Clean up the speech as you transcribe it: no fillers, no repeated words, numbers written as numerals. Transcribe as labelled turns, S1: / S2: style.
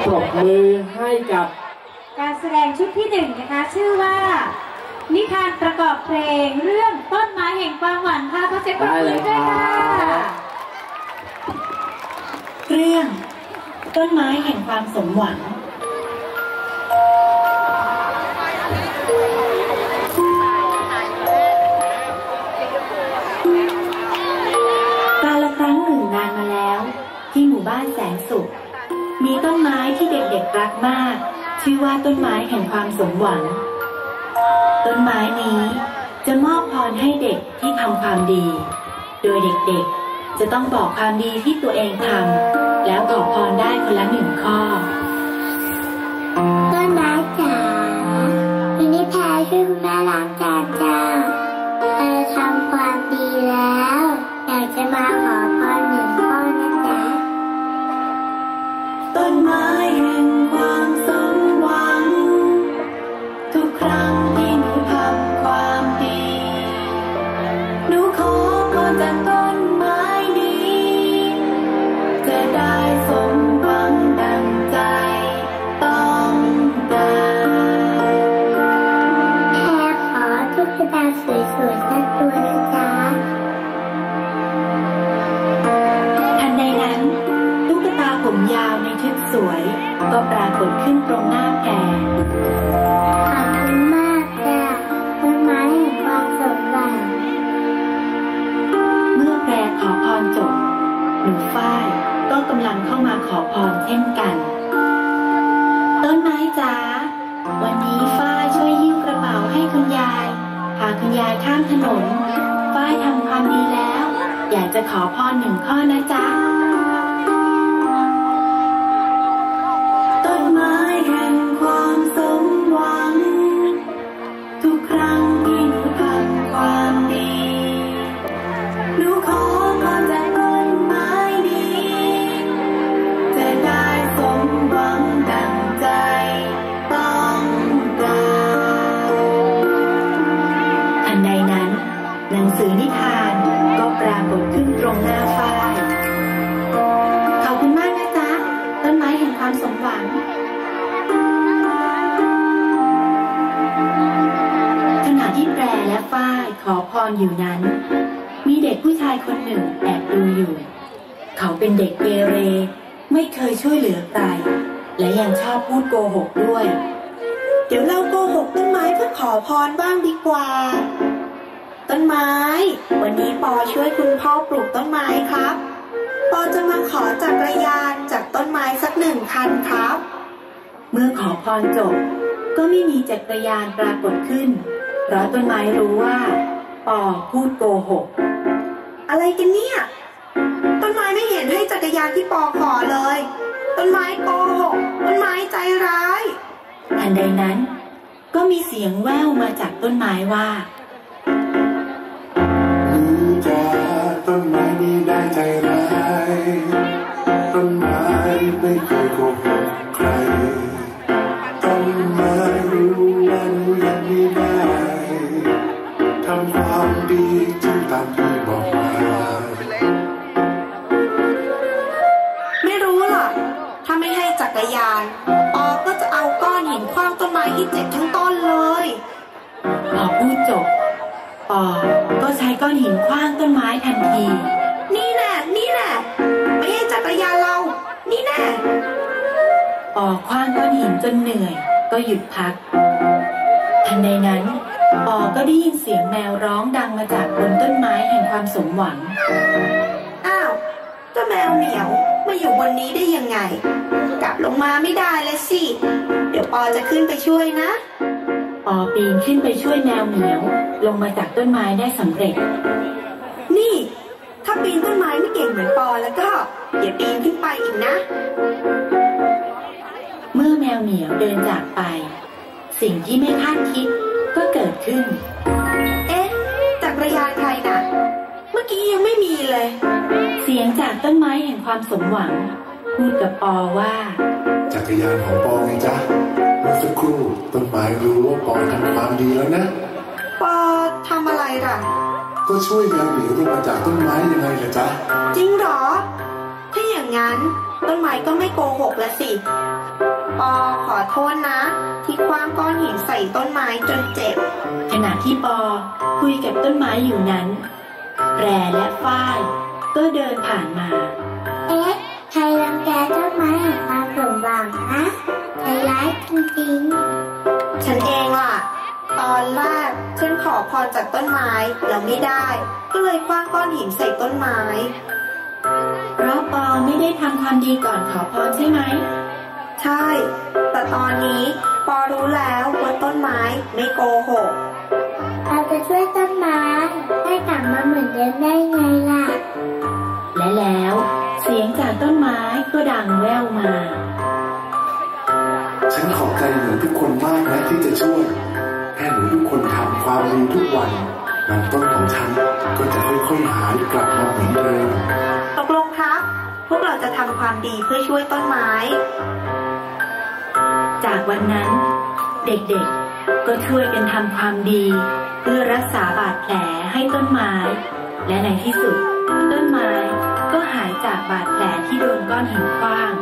S1: ปรบมือให้กับ
S2: การแสดงชุดที่1นะคะชื่อว่านิทานประกอบเพลงเรื่องต้นไม้แห่งความหวังค่ะขอเสียงปรบมือด้วยค่ะ
S3: เรื่องต้นไม้แห่งความสมหวังกาลครั้งหนึ่งนานมาแล้วที่หมู่บ้านแสนสุขมีต้นไม้ที่เด็กๆรักมากชื่อว่าต้นไม้แห่งความสมหวังต้นไม้นี้จะมอบพรให้เด็กที่ทำความดีโดยเด็กๆจะต้องบอกความดีที่ตัวเองทำแล้วขอพรได้คนละ1 ข้อ
S4: ต้นไม้จ๋าวันนี้แพรช่วยคุณแม่ล้างจานจ้าเธอทำความดีแล้วอยากจะมาขอพร1 ข้อนะจ๊ะ
S3: ต้นไม้แห่งความสมหวังทุกครั้งที่หนูทำความดีหนูขอพรจากต้นไม้นี้จะได้สมหวังดังใจต้องการ
S4: แพรขอตุ๊กตาสวยๆสักตัวนะจ๊ะ
S3: ทันใดนั้นตุ๊กตาผมยาวในชุดสวยก็ปรากฏขึ้นตรงหน้าแพร
S4: ขอบคุณมากจ้ะต้นไม้แห่งความสมหวัง
S3: เมื่อแพรขอพรจบหนูฝ้ายก็กำลังเข้ามาขอพรเช่นกันต้นไม้จ๋าวันนี้ฝ้ายช่วยหิ้วกระเป๋าให้คุณยายพาคุณยายข้ามถนนฝ้ายทำความดีแล้วอยากจะขอพร1 ข้อนะจ๊ะต้นไม้แห่งความสมหวังทุกครั้งที่หนูทำความดีหนูขอพรจากต้นไม้นี้จะได้สมหวังดังใจต้องการทันใดนั้นหนังสือนิทานก็ปรากฏขึ้นตรงหน้าฝ้ายขอบคุณมากนะจ๊ะต้นไม้แห่งความสมหวังขณะที่แปรและฝ้ายขอพรอยู่นั้นมีเด็กผู้ชายคนหนึ่งแอบดูอยู่เขาเป็นเด็กเกเรไม่เคยช่วยเหลือใครและยังชอบพูดโกหกด้วยเดี๋ยวเราโกหกต้นไม้เพื่อขอพรบ้างดีกว่าต้นไม้วันนี้ปอช่วยคุณพ่อปลูกต้นไม้ครับปอจะมาขอจักรยานจากต้นไม้สัก1 คันครับเมื่อขอพรจบก็ไม่มีจักรยานปรากฏขึ้นเพราะต้นไม้รู้ว่าปอพูดโกหกอะไรกันเนี่ยต้นไม้ไม่เห็นให้จักรยานที่ปอขอเลยต้นไม้โกหกต้นไม้ใจร้ายทันใดนั้นก็มีเสียงแว่วมาจากต้นไม้ว่า
S5: จะต้นไม้นี้ได้ใจร้ายต้นไม้ไม่เคยโกหกใครต้นไม้รู้ว่าหนูยังไม่ได้ทำความดีจึงตามที่บอกมา
S3: ไม่รู้หรอกถ้าไม่ให้จักรยานปอก็จะเอาก้อนหินขว้างต้นไม้ที่เจ็บทั้งต้นเลยพอพูดจบปอก็ใช้ก้อนหินขว้างต้นไม้ทันทีนี่แน่ไม่ให้จักรยานเรานี่แน่ปอขว้างก้อนหินจนเหนื่อยก็หยุดพักทันใดนั้นปอก็ได้ยินเสียงแมวร้องดังมาจากบนต้นไม้แห่งความสมหวังอ้าวเจ้าแมวเหมียวมาอยู่บนนี้ได้ยังไงกลับลงมาไม่ได้เลยสิเดี๋ยวปอจะขึ้นไปช่วยนะปอปีนขึ้นไปช่วยแมวเหมียวลงมาจากต้นไม้ได้สำเร็จนี่ถ้าปีนต้นไม้ไม่เก่งเหมือนปอแล้วก็อย่าปีนขึ้นไปอีกนะเมื่อแมวเหมียวเดินจากไปสิ่งที่ไม่คาดคิดก็เกิดขึ้นเอ๊ะจักรยานใครน่ะเมื่อกี้ยังไม่มีเลยเสียงจากต้นไม้แห่งความสมหวังพูดกับปอว่า
S5: จักรยานของปอไงจ๊ะเมื่อสักครู่ต้นไม้รู้ว่าปอทำความดีแล้วนะ
S3: ปอทำอะไรล่ะ
S5: ก็ช่วยแมวเหมียวลงมาจากต้นไม้ยังไงล่ะจ๊ะ
S3: จริงหรอถ้าอย่างนั้นต้นไม้ก็ไม่โกหกละสิปอขอโทษนะที่คว้างก้อนหินใส่ต้นไม้จนเจ็บ
S2: ขณะที่ปอคุยกับต้นไม้อยู่นั้นแพรและฝ้ายก็เดินผ่านมา
S4: เอ๊ะใครรังแกต้นไม้แห่งความสมหวังนะใจร้ายจริง
S3: ๆฉันเองล่ะตอนแรกฉันขอพรจากต้นไม้แล้วไม่ได้ก็เลยคว้างก้อนหินใส่ต้นไม้
S2: เพราะปอไม่ได้ทำความดีก่อนขอพรใช่ไหม
S3: ใช่แต่ตอนนี้ปอรู้แล้วว่าต้นไม้ไม่โกหก
S4: เราจะช่วยต้นไม้ให้กลับมาเหมือนเดิมได้ไงล่ะ
S2: และแล้วเสียงจากต้นไม้ก็ดังแว่วมา
S5: ฉันขอบใจหนูทุกคนมากนะที่จะช่วยแค่หนูทุกคนทำความดีทุกวันลำต้นของฉันก็จะค่อยๆหายกลับมาเหมือนเดิม
S3: ตกลงครับพวกเราจะทำความดีเพื่อช่วยต้นไม้
S2: จากวันนั้นเด็กๆก็ช่วยกันทำความดีเพื่อรักษาบาดแผลให้ต้นไม้และในที่สุดต้นไม้ก็หายจากบาดแผลที่โดนก้อนหินขว้าง